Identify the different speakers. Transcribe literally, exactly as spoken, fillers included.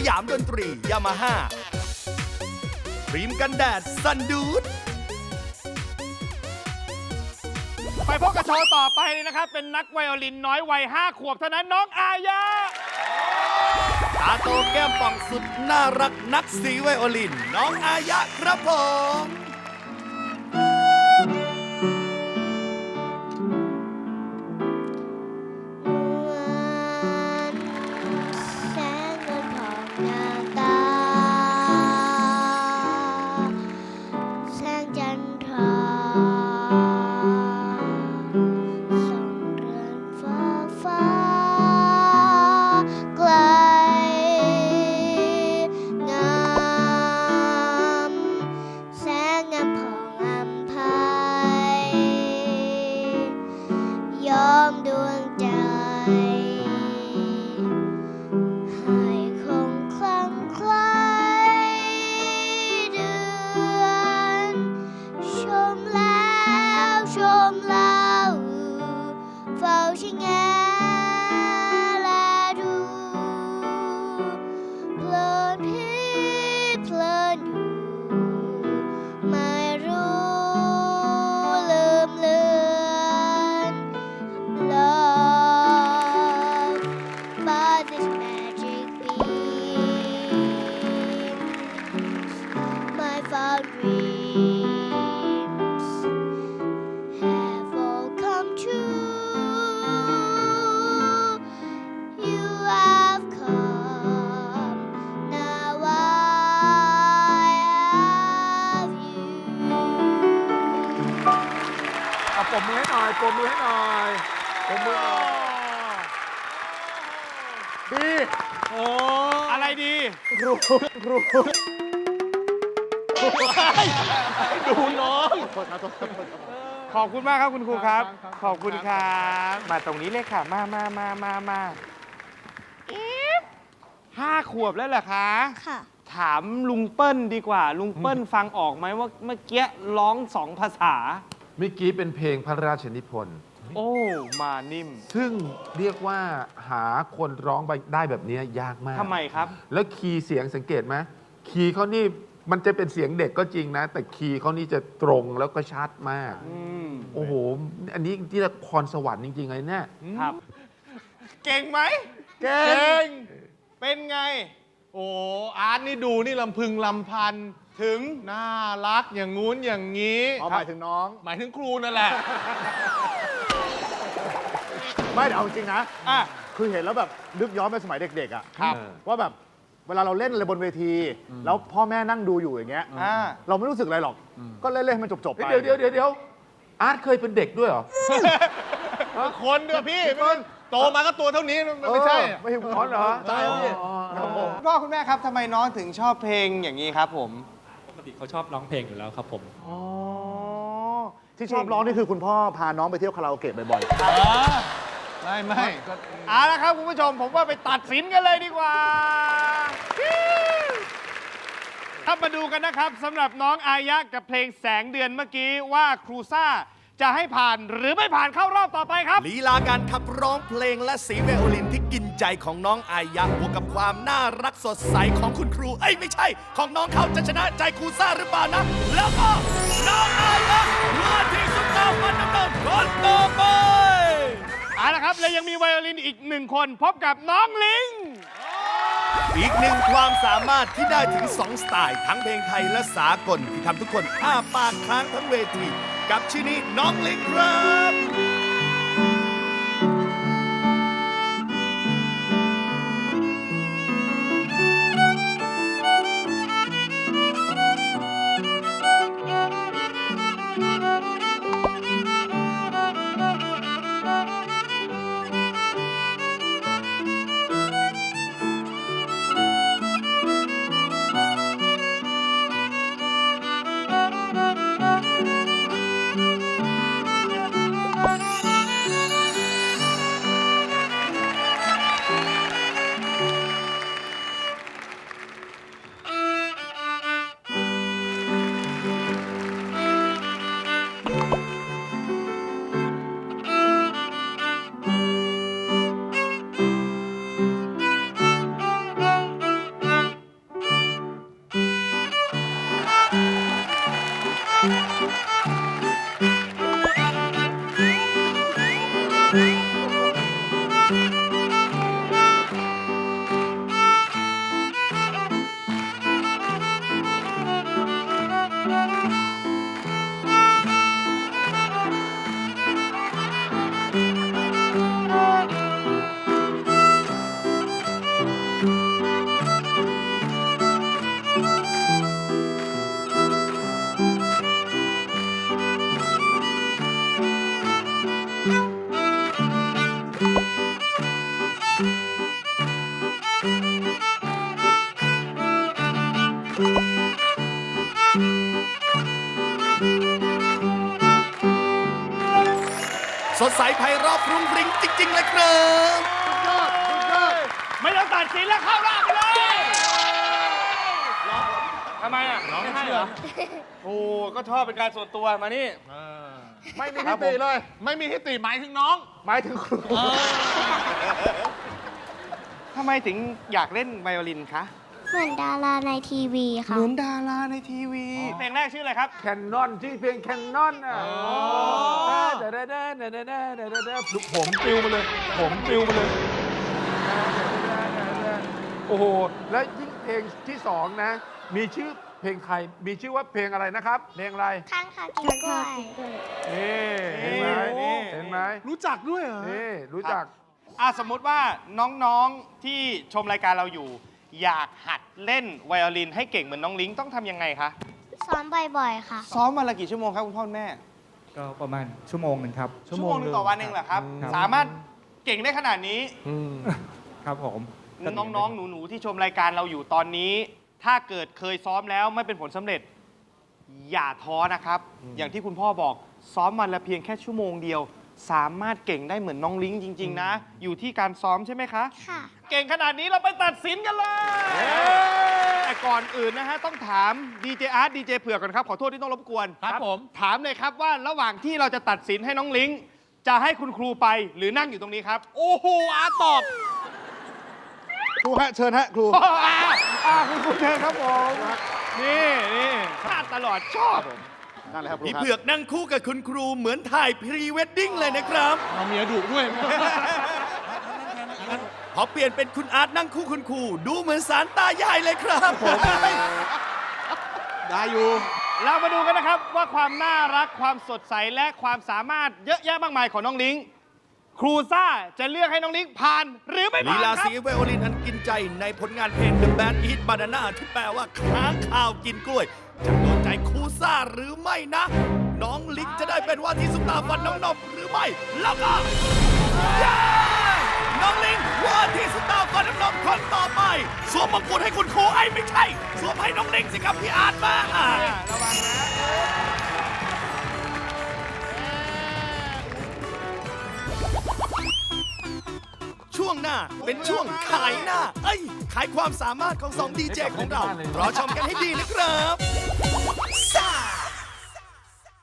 Speaker 1: ยามดนตรียามาฮ่าครีมกันแดดซันดูด
Speaker 2: ไปพบกับโชว์ต่อไปเลยนะครับเป็นนักไวโอลินน้อยวัยห้าขวบเท่านั้นน้องอายะ
Speaker 1: ตาโตแก้มป่องสุดน่ารักนักสีไวโอลินน้องอายะครับผม
Speaker 3: ปรบมือให้หน่อยปรบมือให้หน่อยปรบมือหน่อยดีโอ้
Speaker 2: อะไรดี
Speaker 3: ครูครูดูน้อง
Speaker 2: ขอบคุณมากครับคุณครูครับขอบคุณครับมาตรงนี้เลยค่ะมามามามามาห้าขวบแล้วเหรอคะ
Speaker 4: ค่ะ
Speaker 2: ถามลุงเปิ้ลดีกว่าลุงเปิ้ลฟังออกไหมว่าเมื่อกี้ร้องสองภาษา
Speaker 3: เมื่อกี้เป็นเพลงพระราชนิพนธ์
Speaker 2: โอ้มานิ่ม
Speaker 3: ซึ่งเรียกว่าหาคนร้องได้แบบนี้ยากมาก
Speaker 2: ทำไมครับ
Speaker 3: แล้วคีย์เสียงสังเกตไหมคีย์เขานี่มันจะเป็นเสียงเด็กก็จริงนะแต่คีย์เขานี่จะตรงแล้วก็ชัดมากโอ้โหอันนี้ที่ละครสวรรค์จริงๆเลยเนี่ย
Speaker 2: ครับเก่งไหม
Speaker 3: เก่ง
Speaker 2: เป็นไง
Speaker 5: โอ้อาร์ตนี่ดูนี่ลำพึงลำพันถึงน่ารักอย่างงู้นอย่างนี้
Speaker 3: หมายถึงน้อง
Speaker 5: หมายถึงครูนั่นแหละ
Speaker 6: ไม่เอาจริงนะคือเห็นแล้วแบบนึกย้อนไปสมัยเด็กๆอ่ะว่าแบบเวลาเราเล่นอะไรบนเวทีแล้วพ่อแม่นั่งดูอยู่อย่างเงี้ยเราไม่รู้สึกอะไรหรอกก็เล่นๆให้มันจบๆไป
Speaker 3: เดี๋ยวเดี๋ยวเดี๋ยวอาร์ตเคยเป็นเด็กด้วยเหรอ
Speaker 5: คนด้วยพี่โตมาก็ตัวเท่านี้ไม่ใช่
Speaker 6: ไม่ใช่
Speaker 3: คนเหรอ
Speaker 6: ใช่พี่
Speaker 2: พ่อคุณแม่ครับทำไมน้องถึงชอบเพลงอย่างนี้ครับผม
Speaker 7: ปกติเขาชอบร้องเพลงอยู่แล้วครับผม
Speaker 6: อ๋อที่ชอบร้องนี่คือคุณพ่อพาน้องไปเที่ยวคาราโอเกะบ่อย
Speaker 5: ๆไม่ไม่
Speaker 2: เอาละครับคุณผู้ชมผมว่าไปตัดสินกันเลยดีกว่าถ้ามาดูกันนะครับสำหรับน้องอายะกับเพลงแสงเดือนเมื่อกี้ว่าครูซ่าจะให้ผ่านหรือไม่ผ่านเข้ารอบต่อไปครับ
Speaker 1: ลีลาการขับร้องเพลงและสีไวโอลินที่กินใจของน้องอายะบวกกับความน่ารักสดใสของคุณครูเอ้ยไม่ใช่ของน้องเขาจะชนะใจครูซ่าหรือเปล่านะแล้วก็น้องอายะมาที่สุดดาวมันน้ำเงินคนต่อไป
Speaker 2: เอาละครับและยังมีไวโอลินอีกหนึ่งคนพบกับน้องลิง
Speaker 1: อีกหนึ่งความสามารถที่ได้ถึงสองสไตล์ทั้งเพลงไทยและสากลที่ทำทุกคนอ้าปากค้างทั้งเวทีกับชื่อนี้น้องลิงครับใสไพเราะฟรุ้งฟริ้งจริง ๆ เลยครับ
Speaker 2: ไม่ต้องตัดสินแล้วเข้ารอบไปเลยทำไมอ่ะร้องไม่ให้เหรอโอ้ก็ชอบเป็นการส่วนตัวมานี่
Speaker 5: ไม่มีทิติเลย ไม่มีทิติหมายถึงน้อง
Speaker 6: หมายถึงครู
Speaker 2: ทำไมถึงอยากเล่นไวโอลินคะ
Speaker 4: เหมือนดาราในทีวีค่ะ
Speaker 2: เหมือนดาราในทีวี เพลงแรกชื่ออะไรครับ
Speaker 3: แคนนอนที่เพลงแคนนอนอ่ะเดาเดาเดาเดาเดาเดาเดาเดาเดาผมปลิวมาเลย ผมปลิวมาเลย โอ้โห แล้วยิ่งเพลงที่สองนะ มีชื่อเพลงไทย มีชื่อว่าเพลงอะไรนะครับ เพลงอะไร
Speaker 4: ข้างค่ะกินกล้วย
Speaker 3: นี่เห็นไหม
Speaker 2: นี่
Speaker 3: เห็นไหม
Speaker 5: รู้จักด้วยเหรอ
Speaker 3: นี่รู้จัก
Speaker 2: อ่ะสมมุติว่าน้องๆที่ชมรายการเราอยู่ อยากหัดเล่นไวโอลินให้เก่งเหมือนน้องลิงต้องทำยังไงคะ
Speaker 4: ซ้อมบ่อยๆค่ะ
Speaker 2: ซ้อมวันละกี่ชั่วโมงครับคุณพ่อคุณแม่
Speaker 7: ก็ประมาณชั่วโมงหนึ่งครับ
Speaker 2: ชั่วโมงหนึงต่อวันเองเหรอครับ
Speaker 7: ครับ
Speaker 2: สามารถเก่งได้ขนาดนี้
Speaker 7: ครับผม
Speaker 2: น้องๆ หนูๆ ที่ชมรายการเราอยู่ตอนนี้ ถ้าเกิดเคยซ้อมแล้วไม่เป็นผลสำเร็จ อย่าท้อนะครับ อย่างที่คุณพ่อบอกซ้อมวันละเพียงแค่ชั่วโมงเดียว สามารถเก่งได้เหมือนน้องลิงจริง ๆ นะ อยู่ที่การซ้อมใช่ไหมคะ
Speaker 4: ค่ะ
Speaker 2: เก่งขนาดนี้เราไปตัดสินกันเลย แต่ก่อนอื่นนะฮะ ต้องถามดีเจอาร์ตดีเจเผือกก่อนครับ ขอโทษที่ต้องรบกวน
Speaker 5: ครับผม
Speaker 2: ถามเลยครับว่าระหว่างที่เราจะตัดสินให้น้องลิง จะให้คุณครูไปหรือนั่งอยู่ตรงนี้ครับ โอ้โหอาร์ตตอบ
Speaker 6: ครูฮะเชิญฮะครู
Speaker 2: อ่าอ่าคุณครูเชิญครับผม นี่นี่พลาดตลอดชอบ
Speaker 6: นั่นแหละครับครู
Speaker 1: พี่
Speaker 6: ครับ
Speaker 1: เผือกนั่งคู่กับคุณครูเหมือนถ่ายพรีเวดดิ้งเลยนะครับ
Speaker 5: เอาเมียดุด้วย
Speaker 1: พอเปลี่ยนเป็นคุณอาร์ตนั่งคู่คุณครูดูเหมือนสารตายายเลยครับผม
Speaker 5: ได้อยู่
Speaker 2: เรามาดูกันนะครับว่าความน่ารักความสดใสและความสามารถเยอะแยะมากมายของน้องลิง ครูซ่าจะเลือกให้น้องลิงผ่านหรือไม่
Speaker 1: ลี
Speaker 2: ผ่าน
Speaker 1: ลา
Speaker 2: ครั
Speaker 1: สี
Speaker 2: บ
Speaker 1: ไวโอลินอันกินใจในผลงานเพลง The Band Eat Banana ที่แปลว่าค้างข่าวกินกล้วย จะโดนใจครูซ่าหรือไม่นะ น้องลิงจะได้เป็นว่าที่ซุปตาฟันน้องนมหรือไม่ แล้วก็เย้น้องลิงว่าที่ซุปตาฟันน้องนมคนต่อไปสวมมงกุฎให้คุณครูไอ้ไม่ใช่สวมให้น้องลิงสิครับพี่อาร์ตมาอ่ะ
Speaker 2: ระวังนะ
Speaker 1: ช่วงหน้าเป็นช่วงขายหน้า เอ้ย ขายความสามารถของสองดีเจของเรา รอชมกันให้ดีนะครับ